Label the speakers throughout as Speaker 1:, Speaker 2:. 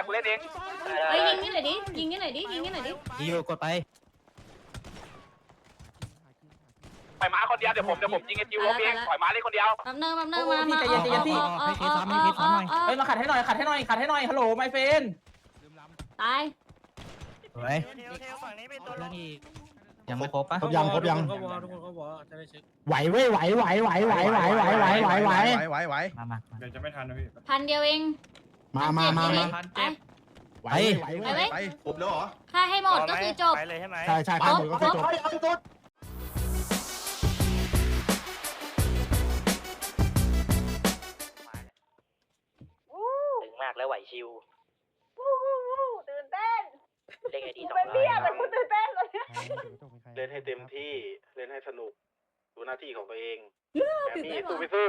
Speaker 1: กูเล่นเอง
Speaker 2: เฮ้ยยิงนี่หน่อยดิยิงนี่หน่อยดิยิงนี่หน่อยดิ
Speaker 3: อยู่กดไป
Speaker 1: ปล่อยม้าคนเดียวเดี๋ยวผมยิงไอ้จิวล้มเองปล่อยม้าเล่นคนเดียว
Speaker 2: แป๊บนึงมา
Speaker 4: เฮ้ยมาขัดให้หน่อยฮัลโหลไมเฟน
Speaker 2: ตาย
Speaker 3: สวยยังไม่ครบปะ
Speaker 5: ครบยังไหวเว้ยไหวมา
Speaker 6: เดี๋ยวจะไม่ทันนะพี่
Speaker 2: พันเดียวเอง
Speaker 5: ไป
Speaker 2: ไป
Speaker 5: ไป
Speaker 7: ครบแล้วเหรอ
Speaker 2: ฆ่าให้หมดก็คือจบ
Speaker 1: ไปเลยใช่ไหม
Speaker 5: ใช่ข้ามหมดก็จบ
Speaker 3: ถึงมากแล้วไหวชิว
Speaker 8: ตื่นเต้น
Speaker 3: เล่นไอดีสอง
Speaker 8: เป็นเบี้ยแต่กูตื่นเต้นเลย
Speaker 7: เล่นให้เต็มที่เล่นให้สนุกดูหน้าที่ของตัวเอง
Speaker 2: ตื่นเต้น
Speaker 7: สู้
Speaker 2: วะ
Speaker 7: ไปสู้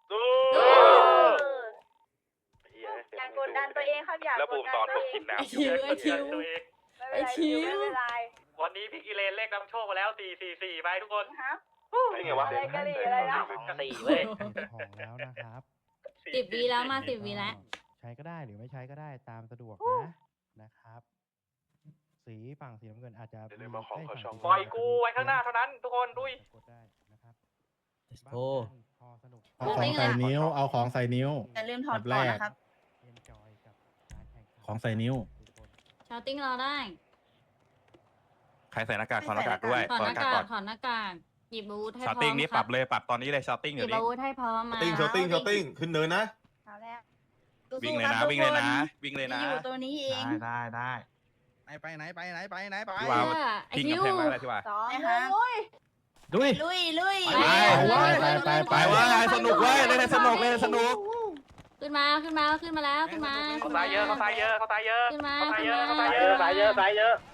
Speaker 8: การกดดันตัวเองครับอยาก
Speaker 1: แล้วบูมตอนผมกินน้ำ
Speaker 2: ไอชิว ไอ้ชิว
Speaker 8: ไม่เป็นไร
Speaker 1: วันนี้พี่กิเลนเลขนำโชคมาแล้ว444ไปทุกคน
Speaker 8: ฮะ
Speaker 7: ได้ไงวะ
Speaker 8: อะไรกะหรี่อะไรนะ
Speaker 3: สี่เว้ย
Speaker 9: ของแล้วนะครับ
Speaker 2: 10 วิแล้วมา10 วิแล้ว
Speaker 9: ใช้ก็ได้หรือไม่ใช้ก็ได้ตามสะดวกนะครับ สีฝั่งสีน้ำเงินอาจจะ
Speaker 1: ปล่อยกูไว้ข้างหน้าเท่านั้นทุกคนดุย
Speaker 9: กดได้นะครับ
Speaker 3: โอ้
Speaker 9: พอสนุก
Speaker 5: เอาของใส่นิ้วเอาของใส่นิ้ว
Speaker 8: อย่าลืมถอดก่อนนะครับ
Speaker 9: เอนจอยกับการแข่งขัน
Speaker 5: ของใส่นิ้ว
Speaker 2: ชาวติ้งเราได้
Speaker 1: ใครใส่หน้ากากถอดหน้ากากด้วย
Speaker 2: ถอดหน้ากากถอดหน้ากากหยิบอาวุธให้พร้อม
Speaker 1: ชาติ้งนี้ปรับเลยปรับตอนนี้เลยชาติ้ง
Speaker 2: ห
Speaker 1: เดี๋
Speaker 2: ยิ
Speaker 1: ยว
Speaker 2: บ
Speaker 1: นี้
Speaker 2: อาวุธให้พร้อมมา
Speaker 7: ติ้งขึ้นเนินนะ
Speaker 8: เอาแล้ว
Speaker 1: วิ่งเลยนะวิ่งเลยนะวิ่งเลยนะ
Speaker 8: อยู่ตัวนี้เอง
Speaker 1: ได้
Speaker 5: ไปไหนไป
Speaker 1: พี่ว่า
Speaker 2: ไอ
Speaker 1: ทิ้ง
Speaker 2: คิ
Speaker 1: กำ
Speaker 2: ว
Speaker 1: แพงไว้อะไรพี่ว่า
Speaker 8: สอง
Speaker 5: ดุย
Speaker 8: ลุย
Speaker 5: ไปว่าสนุกเว้ยเล่นให้สนุก
Speaker 2: ขึ้นมาแล้วขึ้นมา
Speaker 1: เขาตายเยอะเขาตายเยอะเขาตายเยอะ
Speaker 2: ขึ้นมา
Speaker 1: เขาตายเยอะ
Speaker 2: ขึ้น
Speaker 1: เขา
Speaker 2: มา
Speaker 1: ตายเยอะตายเยอะตายเยอะ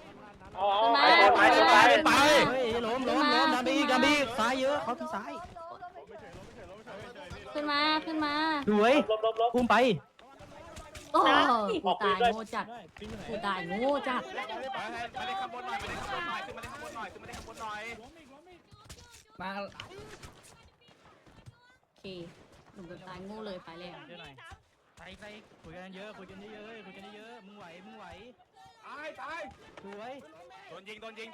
Speaker 5: ไป
Speaker 3: ล้มดันบีซ้ายเยอะเขาที่ซ้าย
Speaker 2: ขึ้นมา
Speaker 3: สวยพุ่มไป
Speaker 2: โอ้กูตายโง่จัด
Speaker 1: มาเล่นข้างบนหน่อยขึ้นมาเล่นข้างบนหน่อย
Speaker 3: มา
Speaker 2: โอเคหนุ่มตายโง่เลยไปแล้ว
Speaker 3: ไปคุยกันเยอะมึงไหวตายสวย
Speaker 1: โดนยิงเฉย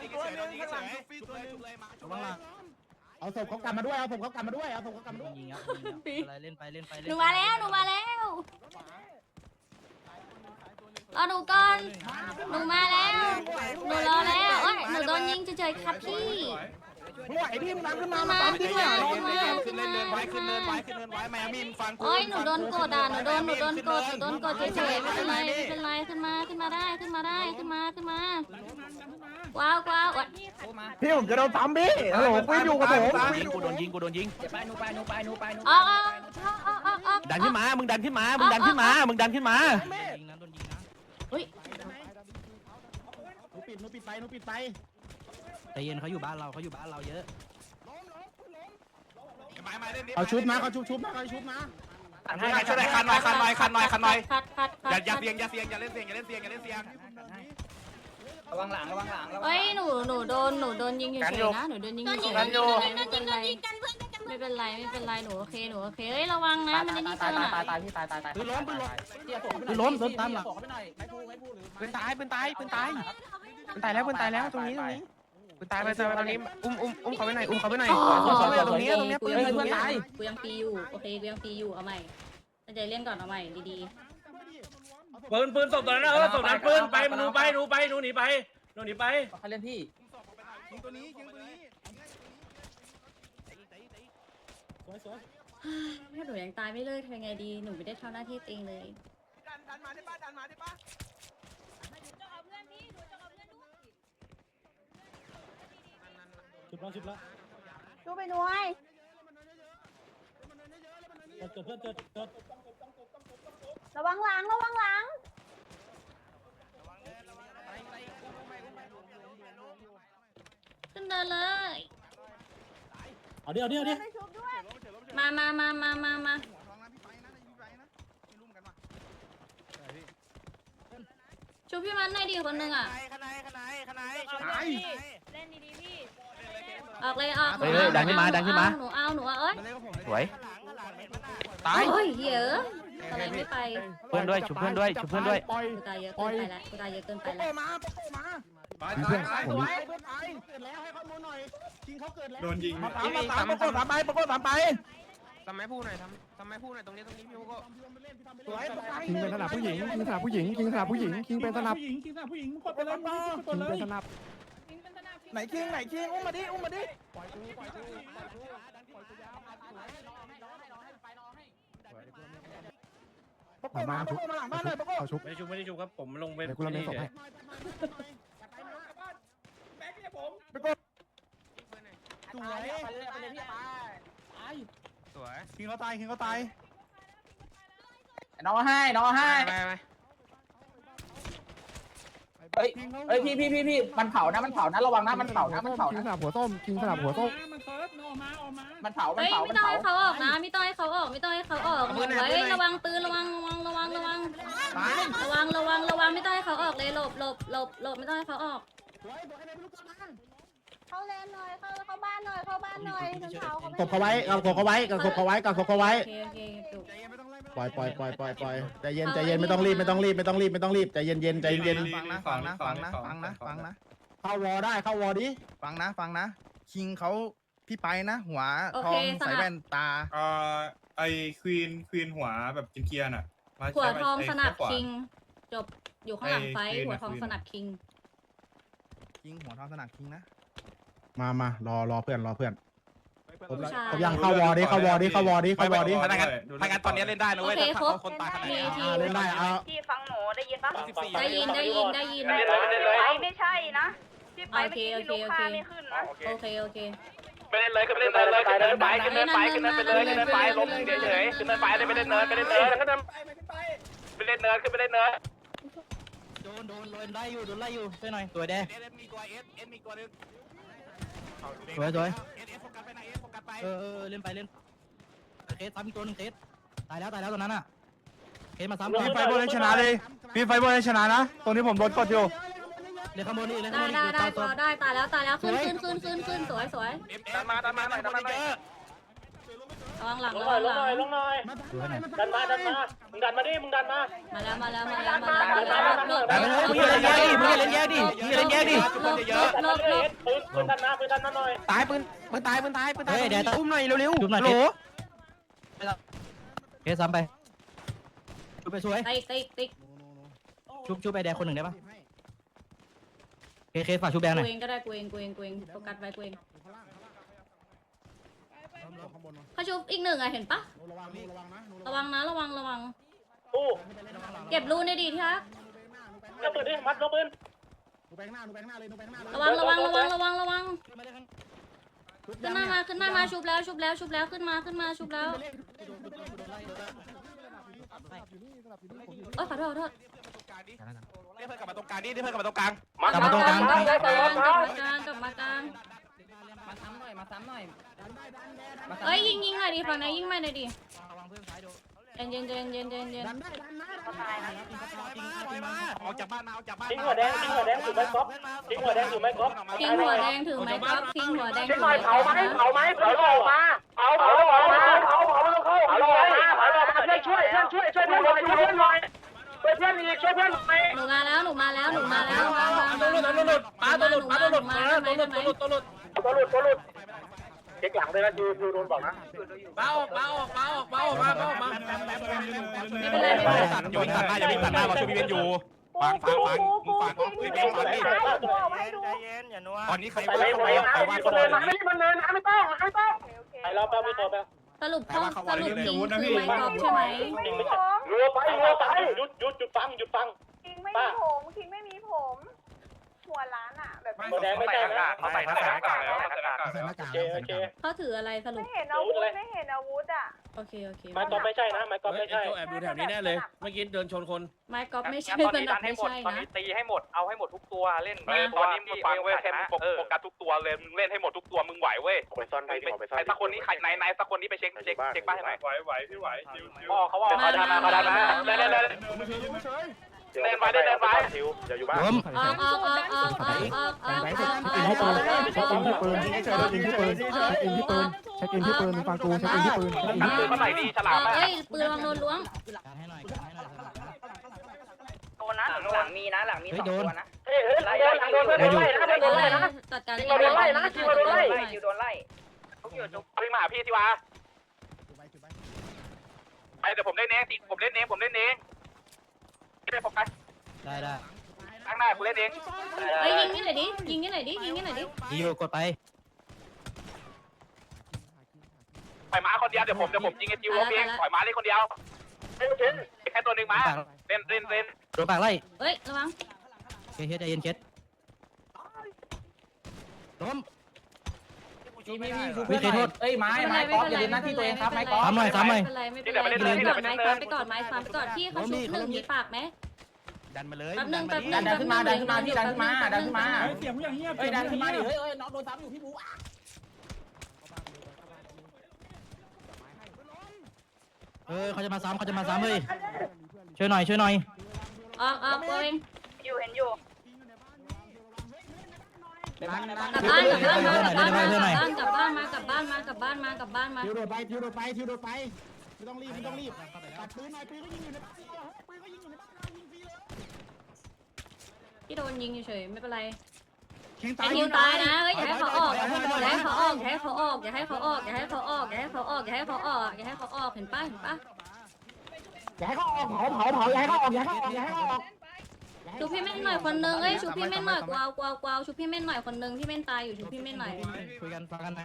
Speaker 1: มาชุบเลย
Speaker 5: เอาศพเขากลับมาด้วย
Speaker 3: ยิงอะไรเล่นไป
Speaker 2: หนูมาแล้วรอหนูก่อนหนูมาแล้วหนูรอแล้วโอ้ยหนูโดนยิงเฉยๆครับพี่
Speaker 5: มึงไหวพี่มึงขึ้นมา
Speaker 1: ขึ้นเนินไว้แมมี่มึงฟังกู
Speaker 2: โอ้ยหนูโดนกดอ่ะหนูโดนกดเฉยๆไม่เป็นไรขึ้นมาได้ว้าว
Speaker 5: พี่ผมจะโดนซ้ำพี่ฮัลโหลกูอยู่กับผม
Speaker 3: กูโดนยิง
Speaker 2: อ๋อ
Speaker 3: ดันขึ้นมามึงดันขึ้นมา
Speaker 2: เฮ้ย
Speaker 5: หนูปิดไป
Speaker 3: ใจเย็นเขาอยู่บ้านเราเยอะ
Speaker 5: เอาชุบนะเขาชุบนะ
Speaker 1: ให้ช่วยได้คันหน่อย
Speaker 2: คัด
Speaker 1: อย่าเสียงอย่าเล่นเสียง
Speaker 3: ระวังหลัง
Speaker 2: เฮ้ยหนูโดนยิงเฉยๆนะหนูโดนยิงเฉยๆไม่เป็นไรหนูโอเคเฮ้ยระวังนะมันนี่เจอน่ะ
Speaker 3: ปืนล้มโดนตามหลังปืนตายแล้วตรงนี้ปืนตายไปตรงนี้อุ้มเขาไปหน่อยตรงนี้ปืนตาย
Speaker 2: กูยังปีอยู่โอเคกูยังปีอยู่เอาใหม่ตั้งใจเล่นก่อนเอาใหม่ดี
Speaker 4: ปืนศพตอนนั้นศพนั้นปืนไปหนูหนีไปใครเล่นพี่
Speaker 2: ถ้าหนูยังตายไม่เลิกทำยังไงดีหนูไม่ได้ทำหน้าที่ตัวเองเลย
Speaker 1: ดันมาได้ปะ
Speaker 8: ดูไปหน่วยระวังหลัง
Speaker 2: ขึ้นเดินเลย
Speaker 5: เอาเดี๋ยว
Speaker 8: ไปชุบด้วย
Speaker 2: มาชูพี่มันหน่อยดิคนนึงอ่ะ
Speaker 1: ขนาย
Speaker 8: เล่นดีๆพี่
Speaker 2: ออกเลย
Speaker 3: ดันขึ้นมา
Speaker 2: หนูเอาเอ้ย
Speaker 3: สวยตาย
Speaker 2: โอ้ยเยอะ
Speaker 3: ส
Speaker 2: สไลด์ไม่ไป
Speaker 3: เพื่อนด้วยชุบเพื่อนด้วยชุบเพื่อนด้วย
Speaker 2: กูตายเยอะเกินไปแล้วกูตายเยอะเกินไปแล้ว
Speaker 9: เพื่อนผม
Speaker 6: โดนยิง
Speaker 3: ทำไมพูดหน่อยทำไมพูดหน่อยตรงนี้พี่โก็
Speaker 9: คิงเป็นสนับผู้หญิงคิงสนับผู้หญิงคิงสนับผู้หญิงคิงเป็นสนับคิงเป็นสนับ
Speaker 3: ไหนคิงอุ้มมาดิ
Speaker 9: มาชุบเขาชุบ
Speaker 4: ไม่ได้ชุบครับผมลงไป
Speaker 9: เดี๋ยวกูเล่นศพให้
Speaker 3: สวย
Speaker 9: คิงเขาตายคิงเขาตาย
Speaker 3: น้องให้ไป
Speaker 9: เฮ้ย
Speaker 3: พี่มันเผานะระวังนะมันเผานะ
Speaker 9: คิงสนับหัวส้มคิงสนับหัวส้ม
Speaker 3: มันเผา
Speaker 2: เฮ้ยไม่ต้องให้เขาออกนะไม่ต้องให้เขาออกหนูไว้ระวังปืนระวังไม่ต้องให้เขาออกเลยหลบไม่ต้องให้เขาออก
Speaker 8: เข้าเลนหน่อยเข้าบ้านหน่อยเข้าบ้านหน่อยถึงเขาเขา
Speaker 9: กบเขาไว้กบเขาไว้กบเขาไว้กบเขาไว้
Speaker 2: โอเคจบ
Speaker 9: ปล่อยใจเย็นไม่ต้องรีบใจเย็น
Speaker 6: ฟังนะ
Speaker 9: เข้าวอได้เข้าวอดิฟังนะคิงเขาพี่ไปนะหัวทองใส่แว่นตา
Speaker 6: ไอควีนหัวแบบกินเกียร์น่ะ
Speaker 2: หัวทองสนับคิงจบอยู่ข้างหลังไฟหัวทองสนับคิง
Speaker 9: คิงหัวทองสนับคิงนะมารอเพื่อนผมยังเข้าวอดิเข้าวอดิ
Speaker 5: ถ้างั้นตอนนี้เล่นได้นะเว้ยถ้าเขาคนตายขนาดนี้
Speaker 9: เล่นได้เอา
Speaker 8: พี่ฟังหนูได้ยินปะ
Speaker 2: ได้ยิน
Speaker 8: ไม่ใช่นะพี่ไปไม่กินลูกค้าไม่ขึ้นนะ
Speaker 2: โอเค
Speaker 1: ไปเล่นเลยขึ้นเนินไปขึ้นเนินไปล้มเฉยขึ้นเนินไปเลยไปเล่นเนินขึ้นไปเล่นเนิน
Speaker 3: โดนไล่อยู่ช่วยหน่อยตัวแดง
Speaker 5: มีตัวเอสมีตัวนึง
Speaker 3: สวย
Speaker 5: เอสโฟกัสไปนะเอสโฟกัสไป
Speaker 3: เล่นเคสซ้ำอีกตัวนึงเคสตายแล้วตัวนั้นอ่ะเคสมาซ้ำ
Speaker 9: พี่ไฟบอลชนะเลยพี่ไฟบอลชนะนะตรงนี้ผมโดนกดอยู่
Speaker 3: เล่นข้างบนนี่เล่น
Speaker 2: ได้
Speaker 3: ข้างบนนี่
Speaker 2: ได้ตายแล้วขึ้นสวย
Speaker 1: ดันมาหน่อย
Speaker 2: ระวังหลัง
Speaker 3: สวยหน่อย
Speaker 1: ดันมามึงดันมาดิมึงดันมา
Speaker 2: มาแล้วหลบ
Speaker 3: มึงเล่นแย่ดิ
Speaker 1: ปืนดันมาหน่อย
Speaker 3: ตายปืนตายเดี๋ยวอุ้มหน่อยเร็วๆโหลเคสซ้ำไปชุบไปสวย
Speaker 2: ติ๊ก
Speaker 3: ชุบไปแดงคนหนึ่งได้ปะเคสฝากชุบแดงหน่อย
Speaker 2: กูเองก็ได้กูเองโฟกัสไว้กูเองเขาชุบอีกหนึ่งอะเห็นปะระวังนะระวัง
Speaker 1: ตู้
Speaker 2: เก็บรูในดีที่รัก
Speaker 1: จะปืนดิมัดลบปืน
Speaker 2: ระวังขึ้นมาชุบแล้วขึ้นมาชุบแล้วโอ้ขอโทษ
Speaker 5: เรียกเพื่อนกลับมาตรงกลางนี่เรียกเพื่อนกลับมาตรงกลาง
Speaker 2: กลับมากลาง
Speaker 8: มาซ้ำหน่อย
Speaker 2: เอ้ยยิงหน่อยดิฝั่งไหนยิงมาหน่อยดิเย็น
Speaker 5: ออกจากบ้านมาออกจากบ้าน
Speaker 1: ทิ้งหัวแดงถือไม้ก๊อฟทิ้งหัวแดงถือไม้ก๊อฟ
Speaker 2: ทิ้งหัวแดงถือไม้ก๊อฟทิ้งหัวแดงถือ
Speaker 1: หน่อย
Speaker 2: ไม้ก๊อฟ
Speaker 1: เผาออกมาเผาลงมาเพื่อนช่วยเพื่อนหน่อยช่วยเพื่อนหน่อยช่วยเพื่อนอีกช่วยเพื่อนหน่อย
Speaker 2: หนูมาแล้ว
Speaker 4: ตัวหลุดป้าตัวหลุด
Speaker 1: เช็คหลังเลยนะดูโดนบอกนะ
Speaker 4: ป้าออกมา
Speaker 2: ไม่เป็นไร
Speaker 5: อย่าวิ่งตัดหน้าเราช่วยพี่เบนอยู่ฟังพี่เบนฟังดิตอนนี้ใครว่า
Speaker 1: มันเนินไม่ต้องไอเราแป๊บไม่โตแป๊บ
Speaker 2: สรุปทิ้งคือไม้ก๊อฟใช่ไหม
Speaker 1: รัวไปหยุดฟัง
Speaker 8: คิงไม่มีผมหัวร้านอ่ะแบบ
Speaker 1: หัวแดงไม่ใช่นะเขาใส่หน้ากากแล้ว โอเค
Speaker 2: เขาถืออะไรสรุป
Speaker 8: ไม่เห็นอาวุธอ่ะ
Speaker 2: โอเค
Speaker 1: ไม้ก๊อฟไม่ใช่นะไม้ก๊อฟไม่ใช่
Speaker 4: แอบดูแถวนี้แน่เลยเมื่อกี้เดินชนคน
Speaker 2: ไม้ก๊อฟไม่ใช่สนับไม่ใช่นะ
Speaker 1: ตีให้หมดเอาให้หมดทุกตัวเล่นตอนนี้มึงฟังเว้ยแค่มึงโฟกัสทุกตัวเลยมึงเล่นให้หมดทุกตัวมึงไหวเว้ยไปซ่อนไปใครสักคนนี้ใครไหนสักคนนี้ไปเช็คบ้านให้หน่อยไหวพี่ไหวพ่อเขาว่าเขาดันมาเลยเล่นไปเล่นไป
Speaker 7: ทิวอย่าอยู่บ้าน
Speaker 2: ออก
Speaker 3: เช็คอินที่ปืนฟังกูเช็คอินที่ปืน
Speaker 1: กันปืนมาใส่ดีฉลาม
Speaker 2: เอ้ยปืนวางโดนล้วง
Speaker 8: โดนนะหลังมีนะหลังมี2ตัวนะ
Speaker 1: ไล่หลังโดนเพื่อนไล่นะโดนไล่นะ
Speaker 2: จัดการ
Speaker 1: โดนไล่นะโดนไล่
Speaker 8: คิวโดนไล่
Speaker 1: พี่มาหาพี่ที่วะไอเดี๋ยวผมเล่นเองผมเล่นเองไม่ได้โฟกัส
Speaker 3: ได้
Speaker 1: ข้างหน้ากูเล่นเอง
Speaker 2: เฮ้ยยิงนี่หน่อยดิยิงนี่หน่อยดิยิงนี่หน่อยดิ
Speaker 3: ยิวกดไป
Speaker 1: ปล่อยม้าคนเดียวเดี๋ยวผมยิงไอ้จิวล้มเองปล่อยม้าเล่นคนเดียวแค่ตัวหนึ่งม้าเล่น
Speaker 3: โดนปากไล่
Speaker 2: เฮ้ยระวัง
Speaker 3: เคสใจเย็นเคสล้ม
Speaker 4: พี่โทษเอ้ยไม้ก๊อฟอย่าลืมหน้าที่ตัวเองครับไม้ก๊อฟ
Speaker 3: ซ้ำหน่อย
Speaker 2: ไม่เป็นไรไม้ก่อนไม้ฟาร์มไปก่อนพี่เขาชุบหนึ่งมีปากไหม
Speaker 3: ดันมาเลย
Speaker 2: แป๊บนึง
Speaker 4: ดันขึ้นมาพี่ดันขึ้นมา
Speaker 6: เสียงผู้ใหญ่เงียบ
Speaker 4: เฮ้ยดันขึ้นมาดิเฮ้ยน้องโดนซ้ำอยู่พี่บู
Speaker 3: เขาจะมาซ้ำเฮ้ยช่วยหน่อย
Speaker 2: ออกตัวเอง
Speaker 8: อยู่เห็นอยู่
Speaker 2: กลับบ้านมากลับบ้านมา
Speaker 9: ทิวโดดไปไม่ต้องรีบปัดปืนหน่อยปืนก็ยิงอยู่ในบ้านปืนก็ยิงอยู่ในบ้านยิงฟรีเลย
Speaker 2: พี่โดนยิงเฉยไม่เป็นไร
Speaker 9: เข่ง
Speaker 2: ไอคิวตายนะเฮ้ยอย่าให้เขาออกอย่าให้เขาออกเห็นป้าอย่าให้เขาออกอย่าให้เขาออกอย่าให้เขาออกอย่าให้เขาออกอย่าให้เขาออกชูพี่เม่นหน่อยคนนึงเอ้ยชูพี่เม่นหน่อยกวาวชูพี่เม่นหน่อยคนนึงที่เม่นตายอยู่ชูพี่เม่นหน่อย
Speaker 3: คุยกันฟังกันนะ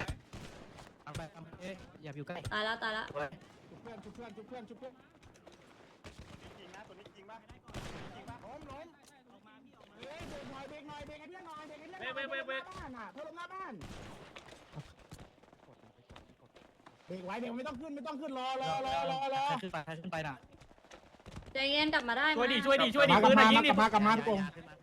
Speaker 3: อย่าอยู่ใกล้
Speaker 2: ตายแล้ว
Speaker 9: ชุบเพื่อนจริงนะตัวนี้จริงป่ะล้มเฮ้ยเบรกหน่อยให้เพื่อนหน่อยเบรกให้เพื่อนหน้าบ้านเพื่อนลงหน้าบ้านเบรกไว้เบรกไม่ต้องขึ้นรอขึ้นไปนะ
Speaker 2: ใจเย็นกลับมาได้
Speaker 4: ช่วยดิปืนยิงดิ
Speaker 9: กลับมาทุกคน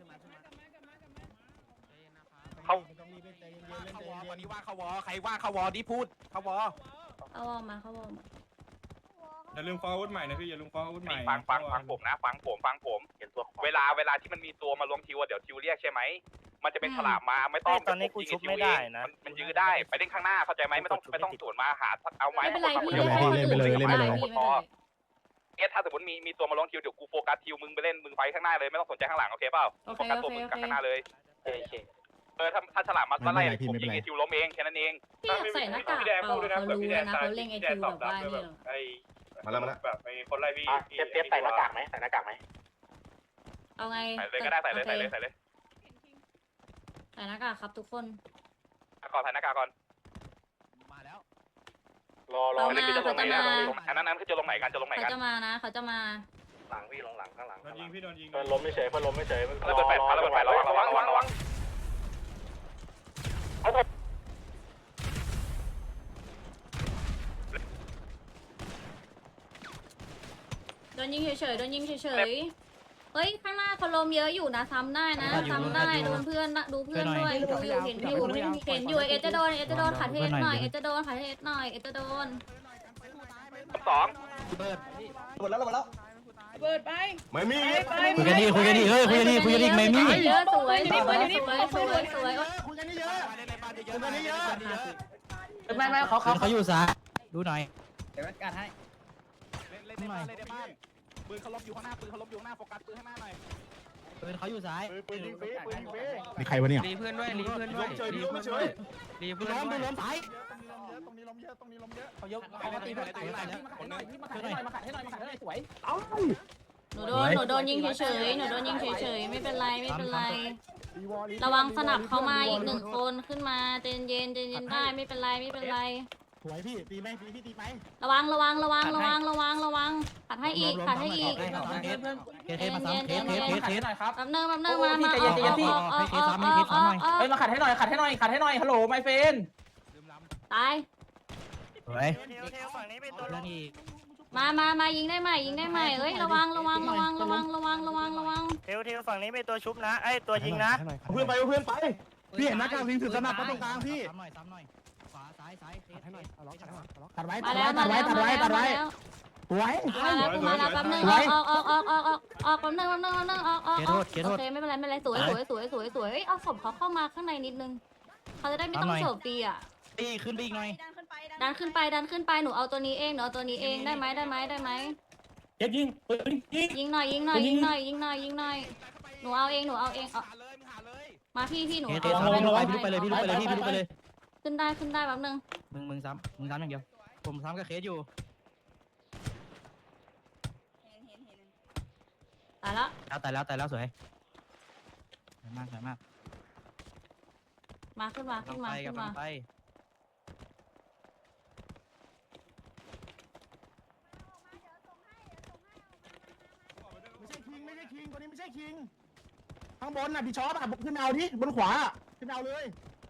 Speaker 5: วันนี้ว่าเขาวอใครว่าเขาวอดิพูดเขาวอ
Speaker 2: เขาวอมา
Speaker 6: อย่าลืมฟ้องอาวุธใหม่นะพี่อย่าลืมฟ้องอาวุธใหม่
Speaker 1: ฟังผมนะฟังผมเห็นตัวเวลาที่มันมีตัวมาล้วงทิวเดี๋ยวทิวเรียกใช่ไหมมันจะเป็นฉลามมาไม่ต้องตอนนี้กูชุบไม่ได้นะมันยื้อได้ไปเล่นข้างหน้าเข้าใจไหมไม่ต้องสวนมาหาเอาไม้
Speaker 2: ไม่เป็นไรพี่เล่นไปเลย
Speaker 1: เนี่ยถ้าสมมติมีตัวมาล้วงทิวเดี๋ยวกูโฟกัสทิวมึงไปเล่นมึงไฟข้างหน้าเลยไม่ต้องสนใจข้างหลังโอเคเปล่าโฟกัสตัวมึงกับข้างหน้าเลยถ้าฉลามมาไล่ผมยิงไอทิวล้มเองแค่นั้นเอง
Speaker 2: พี่อยากใส่หน้ากากเปล่าเขารู้นะเขาเล่นไอทิวแบบว่านี่
Speaker 6: มาแล้วแบบไอ้คนไล่พี่
Speaker 7: เตรียมใส่หน้ากากไหม
Speaker 2: เอาไง
Speaker 1: ใส่เลยก็ได้ใส่เลย
Speaker 2: ใส่หน้ากากครับทุกคน
Speaker 1: ก่อนใส่หน้ากากก่อน
Speaker 3: มาแล้ว
Speaker 7: รอ
Speaker 1: อันนั้นคือจะลงไหนกัน
Speaker 2: เขาจะมานะเขาจะมา
Speaker 7: หลังพี่ลงหลังข้างหลัง
Speaker 6: โดนยิงพี่โดนยิง
Speaker 7: เพื่อนล้มไม่เฉย
Speaker 1: ระเบิดแปดระวัง
Speaker 2: โดนยิงเฉยเฮ้ยข้างหน้าเขาลมเยอะอยู่นะซ้ำได้โดนเพื่อนดูเพื่อนด้วยดูอยู่เห็นอยู่เอจะโดนขัดเทสหน่อยเอจะโดน
Speaker 1: 2
Speaker 3: เปิด
Speaker 8: เปิดไป
Speaker 9: ไม่มี
Speaker 3: คุยกันดิไม่มี
Speaker 2: เยอะสวย
Speaker 9: คุยกันนี่เยอะ
Speaker 4: ไม่
Speaker 3: เขาอยู่ซ้ายดูหน่อย
Speaker 5: เล่นในบ้านปืนเขาล้มอยู่ข้างหน้าโฟกัสปืนข้างหน้าหน่อย
Speaker 3: ปืนเขาอยู่ซ้าย
Speaker 9: มีใครวะเนี่ย
Speaker 3: รีเพื่อนด้วย
Speaker 9: ล้มซ้าย
Speaker 3: เขายกเขาตีเพื่อนตายแล้ว
Speaker 4: มาขัดให้หน่อยสวย
Speaker 2: หนูโดนยิงเฉยไม่เป็นไรระวังสนับเข้ามาอีก1คนขึ้นมาเย็นได้ไม่เป็นไร
Speaker 9: สวยพี่ตีไหมพี่ตีไหม
Speaker 2: ระวังขัดให้อีก
Speaker 3: เคสมาซ้ำเคส
Speaker 4: ขัดให้หน่อยครับ
Speaker 2: แป๊บนึงมา
Speaker 4: เฮ้ยมาขัดให้หน่อยฮัลโหลไมเฟน
Speaker 2: ตาย
Speaker 3: สวย
Speaker 5: ฝั่งนี้เป็นตัว
Speaker 3: เรื่องอีก
Speaker 2: มายิงได้ใหม่เอ้ยระวัง
Speaker 5: เทลฝั่งนี้เป็นตัวชุบนะไอตัวยิงนะ
Speaker 9: เพื่อนไปพี่เห็นหน้ากากวิ่งถือสนับตรงกลางพี่
Speaker 3: ซ้ำหน่อยขวาซ้าย
Speaker 9: ตัดไว้
Speaker 2: มาแล้ว
Speaker 9: สวย
Speaker 2: มาแล้วแป๊บนึงออกแป๊บนึงออกโอเคไม่เป็นไรสวยเอาศพเขาเข้ามาข้างในนิดนึงเขาจะได้ไม่ต้องโฉบตีอ่ะ
Speaker 9: ตีขึ้นไปอีกหน่อย
Speaker 2: ดันขึ้นไปหนูเอาตัวนี้เองได้ไหม
Speaker 4: เย็ดยิงปืนยิง
Speaker 2: ยิงหน่อยหนูเอาเองมาพี่หนู
Speaker 9: พี่ลุกไปเลยพี่ลุกไปเลย
Speaker 2: ขึ้นได้แป๊บนึง
Speaker 9: มึงซ้ำอย่างเดียวผมซ้ำกับเคสอยู่
Speaker 2: ตายแล้ว
Speaker 9: ตายแล้วสวยมาก
Speaker 2: มาขึ้นมา
Speaker 9: ไปไม่ใช่คิงตัวนี้ไม่ใช่คิงข้างบนน่ะพี่ช็อปอ่ะขึ้นเอาดิบนขวาขึ้นเอาเลย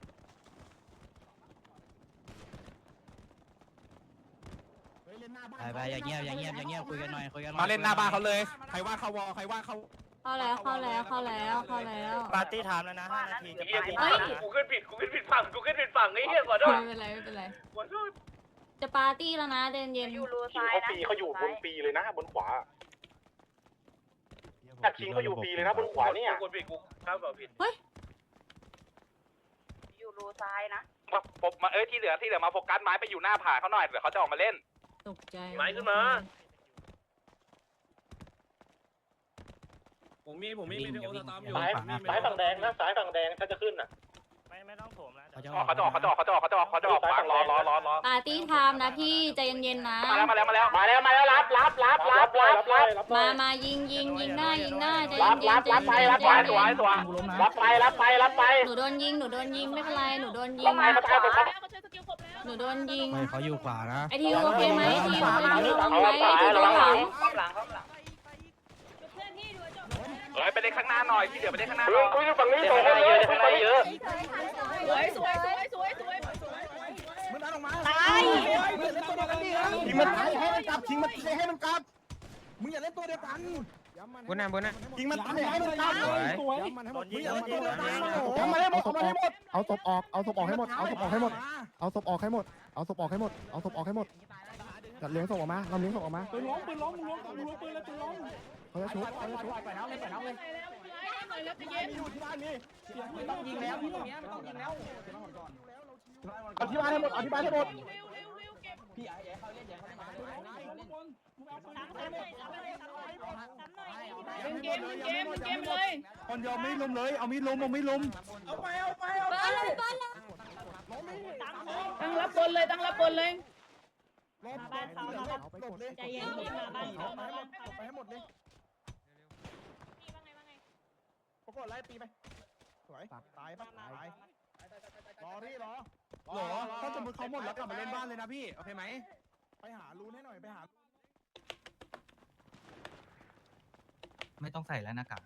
Speaker 9: ไปอย่างเงียบคุยกันหน่อย
Speaker 5: มาเล่นหน้าบ้านเขาเลยใครว่าเขาวอใครว่าเขา
Speaker 2: เข้าแล้ว
Speaker 3: ปาร์ตี้ไทม์แล้วนะ5 นาทีจะไป
Speaker 4: กูขึ้นผิดฝั่งไอ้เหี้ยขอโทษ
Speaker 2: ไม่เป็นไรจะปาร์ตี้แล้วนะเย็น
Speaker 8: อยู่รูซ้ายนะ
Speaker 7: เขาอยู่บนปีเลยนะบนขวาแต่คิงเขาอยู่ปีเลยนะบนขวาเนี่ย
Speaker 4: กูผิดกูครับผิด
Speaker 8: อยู่รูซ้ายนะ
Speaker 1: มาที่เหลือมาโฟกัสไม้ไปอยู่หน้าผาเขาหน่อยเดี๋ยวเขาจะออกมาเล่น
Speaker 2: ตกใจ
Speaker 4: ไม้ขึ้นมาผมมีโอตามอยู่
Speaker 7: สายฝั่งแดงนะสายฝั่งแดงถ้าจะขึ้นอ่ะไม่ต้องโถมแล้ว
Speaker 1: เขาจะออกฟังรอ
Speaker 2: ปาร์ตี้ไทม์นะพี่ใจเย็นๆนะ
Speaker 1: มาแล้ว
Speaker 2: มายิงได้ใจเย็นหนูโดนยิงไม่เป็นไรหนูโดนยิง
Speaker 9: เขาอยู่ขวานะ
Speaker 2: ไอทีโอเคไหมไอทีโอเคไหม
Speaker 1: ไปเล่นข้างหน้าหน่อยที่เหลือไปเล่นข้างหน้าหน่อย
Speaker 7: คุยฝั่งนี้ข้างหน้าเยอะ
Speaker 8: สวย
Speaker 9: มึงดันออกมา
Speaker 8: ตาย
Speaker 9: ยิงมันตายให้มันกลับยิงมันให้มันกลับมึงอย่าเล่นตัวเดียวกัน
Speaker 3: บนน่ะ
Speaker 9: ยิงมันตายให้มันกลับสวยมึงอย่าเล่นตัวเดียวกันเอามาให้หมดเอาศพออกให้หมดจัดเลี้ยงศพออกมาเราเลี้ยงศพออกมาปืนล้มปืนเลยปืนล้มเขาจะชุบไปแล้วเลยอยู่ที่บ้านนี่ไม่ต้องยิงแล้วที่ตรงนี้ไม่ต้องยิงแล้วเอาที่บ้านให้หมดพี่เขาเล่นเกมเลยคนยอมไม่ล้มเลยเอามีดล้มเอาไป
Speaker 8: ตั้งรับบนเลย
Speaker 9: บ้านเขาใจเย็นมาบ้านเขาไปให้หมดเลยปรากฏไล่ตีไปสวยตายรอถ้าสมมติเขาหมดแล้วกลับมาเล่นบ้านเลยนะพี่โอเคไหมไปหารูนให้หน่อย
Speaker 3: ไม่ต้องใส่แล้วหน้ากาก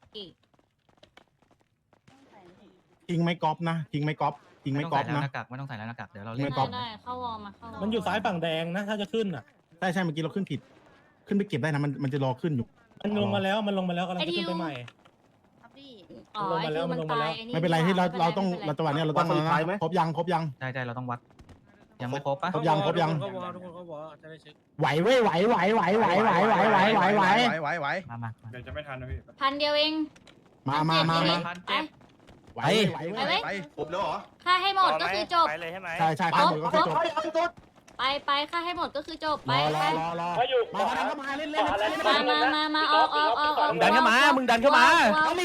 Speaker 9: ยิงไม่ก๊อปนะยิงไม่ก๊อปนะ
Speaker 3: ไม่ต้องใส่แล้วหน้ากากเดี๋ยวเราเล่น
Speaker 2: ได้เข้าวอร์มา
Speaker 4: มันอยู่ซ้ายฝั่งแดงนะถ้าจะขึ้นอ่ะ
Speaker 9: ใช่เมื่อกี้เราขึ้นผิดขึ้นไปเก็บได้นะมันจะรอขึ้นอยู่
Speaker 4: มันลงมาแล้วกำลังจะขึ้นไปใหม่
Speaker 2: อ๋อไอทีมันตาย
Speaker 9: ไม่เป็นไรที่เราต้องจังหวะนี้เราต้องครบยัง
Speaker 3: ใช่เราต้องวัดยังไม่ครบปะ
Speaker 9: ครบยัง
Speaker 4: ทุกคนก็วอจะได้เช็ค
Speaker 9: ไหวเว้ยไหว
Speaker 3: มา
Speaker 6: เดี๋ยวจะไม่ทันนะพี่
Speaker 2: พันเดียวเอง
Speaker 9: มา
Speaker 2: ไป
Speaker 9: ไปครบแล้วเหรอ
Speaker 2: ค่าให้หมดก็คือจบ
Speaker 7: ไปเลยใช่ไหม
Speaker 9: ใช่ข้าหมดก็คือจบ
Speaker 2: ไปค่าให้หมดก็คือจบไป
Speaker 9: รอมาเล่น
Speaker 2: มาออก
Speaker 5: มึงดันเข้ามามึงดันขึ้นมา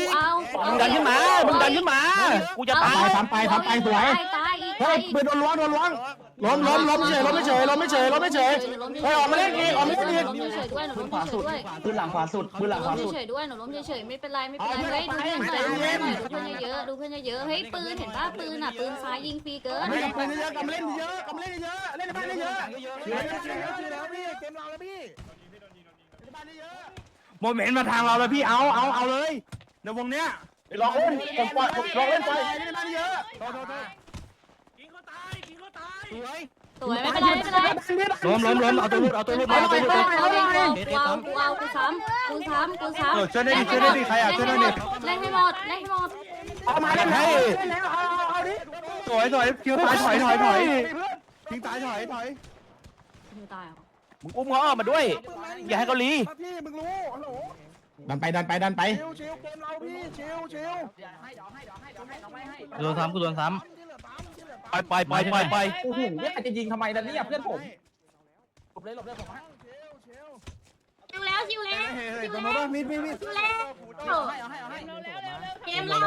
Speaker 5: กูจะตาย
Speaker 9: ทำไปสวย
Speaker 2: ตาย
Speaker 9: เฮ้ยปืนโดนล้วงล้มไม่เฉยเฮ้ยออกมาเล่นอีก
Speaker 2: หนูล้มเฉยด้วย
Speaker 9: ปืนหลังขวาสุด
Speaker 2: หนูล้มเฉยด้วยหนูล้มเฉยไม่เป็นไรเฮ้ยดูเพื่อนเยอะเฮ้ยปืนเห็นป่ะปืนซ้ายยิงฟรีเกิน
Speaker 9: ไม่ปืนเยอะกำเล่นเยอะเล่นในบ้านเยอะแล้วพี่เกมเราแล้วพี่ในบ้านเยอะโมเมนต์มาทางเราแล้วพี่เอาเลยในวงเนี้ยลองเล่นลองเล่นไปในบ้านเยอะ
Speaker 4: กินเขาตาย
Speaker 2: สวยไม่เป็นไร
Speaker 9: ล้มเอาตัวรูด
Speaker 2: กูซ้ำ
Speaker 9: ช่วยได้ดิใครช่วยได้ดิ
Speaker 2: เล่นให้หมด
Speaker 9: เอามาเล่นให้เอาดิสวยคิวตายถอยทิ้งตายถอย
Speaker 2: มือตายเหรอ
Speaker 3: มึงอุ้มเขาออกมาด้วยอย่าให้เขาลี
Speaker 9: พี่มึงรู้ฮัลโหล
Speaker 5: ดันไปดันไปดันไป
Speaker 9: ชิวเกมเราพี่ชิว
Speaker 3: โดนซ้ำกูโดนซ้ำไป
Speaker 9: โอ้โหเนี่ยใครจะยิงทำไมล่ะเนี่ยเพื่อนผมหลบเลยผม
Speaker 2: ชิวแล้วชิวแล้ว
Speaker 9: เฮ้ยตรงนู้นป่ะมีด
Speaker 2: ชิวแล้วเกมเรา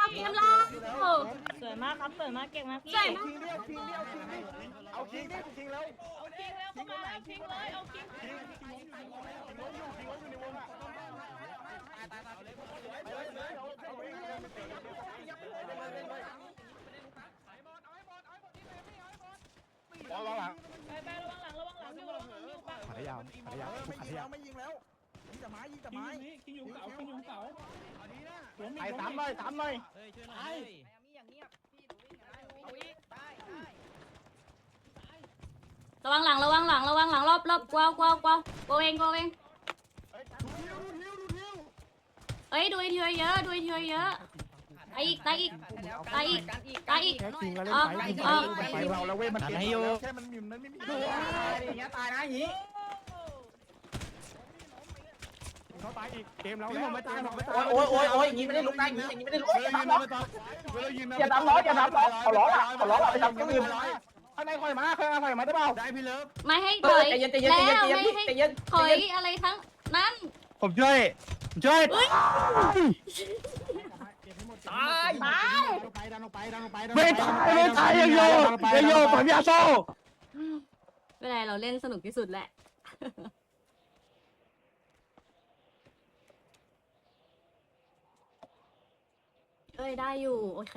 Speaker 2: สวยมากครับสวยมากเก่งมากพี่สวยมาก
Speaker 9: เอาคิงดิคิงแล้ว
Speaker 5: ขัดยาว
Speaker 9: ไม่ยิงแล้วยิงแต่ไม้
Speaker 5: ไปสามหน่อย
Speaker 2: ระวังหลังรอบกวาวโกเองเอ้ยดูทีเยอะตายอีก
Speaker 9: แค่คิงแล้วเล่นไปเราแล้วเว้ยมันแค่มันไม่มีอย่างเงี้ยตายนะอย่างงี้เขาตายอีกเกมเราแล้วไม่ตายโอ้ยอย่างงี้ไม่ได้ลุกได้อย่างงี้ไม่ได้ลุกอย่าดับล้อเอาล้อไปดับก็ลืมข้างในคอยมาได้เปล่าได้พี่เลิฟ
Speaker 2: ไม่ให้ถอยแล้วไม่ให้ถอยอะไรทั้งนั้น
Speaker 3: ผมช่วย
Speaker 9: ตาย
Speaker 3: ไม่ตายยังโยปัญญาโซ่
Speaker 2: เวลาเราเล่นสนุกที่สุดแหละเอ้ยได้อยู่โอเค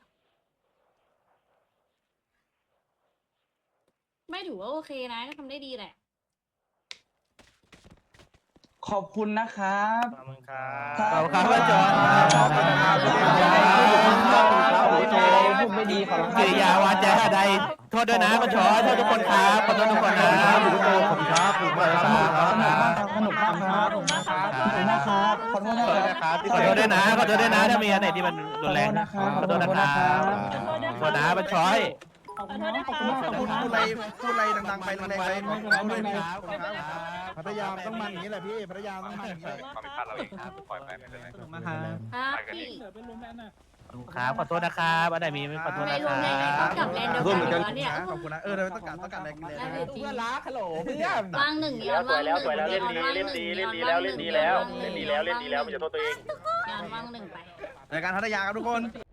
Speaker 2: ไม่ถือว่าโอเคนะก็ทำได้ดีแหละ
Speaker 9: ขอบคุณนะครับ
Speaker 3: ขอบคุณครับว่าจอน
Speaker 9: ไม่ดีขอ
Speaker 3: กิริยาวาจาใดโทษด้วยนะมาชอโทษทุกคนครับขอโทษทุกคนนะผมครับ
Speaker 9: สนุกมากครับขอโทษนะครับ
Speaker 3: ขอโทษด้วยนะถ้ามีอันไหนที่มันรุนแรงขอโทษนะครับขอโทษนะมาชอย
Speaker 9: พูดอะไรดังๆไปแรงๆพัทยาต้องมันอย่างนี้แหละพี่พัทยาต้องมันอย่างนี้
Speaker 1: ความผิดพลาดเราเองปล่อยไปไม่เป็นไร
Speaker 2: ครับพี่
Speaker 3: ครับขอโทษนะครับอันไหนมีไม่ขอโทษ
Speaker 2: ไม่
Speaker 3: นะ
Speaker 2: ร
Speaker 3: คว
Speaker 2: ม
Speaker 3: รับ
Speaker 2: ในไหนก็กลับแลนด์เดียวกันอยู่แล้วเนี่ย
Speaker 9: ขอบคุณนะเราต้องการแรงเลยเพื่อนรักฮัลโหลเพื่อน
Speaker 2: วางหนึ่งย้อนวางหนึ่งเล่นดีแล้วมันจะโทษตัวเองย้อนวางหนึ่งไป
Speaker 9: รายการพัทยาครับทุกคน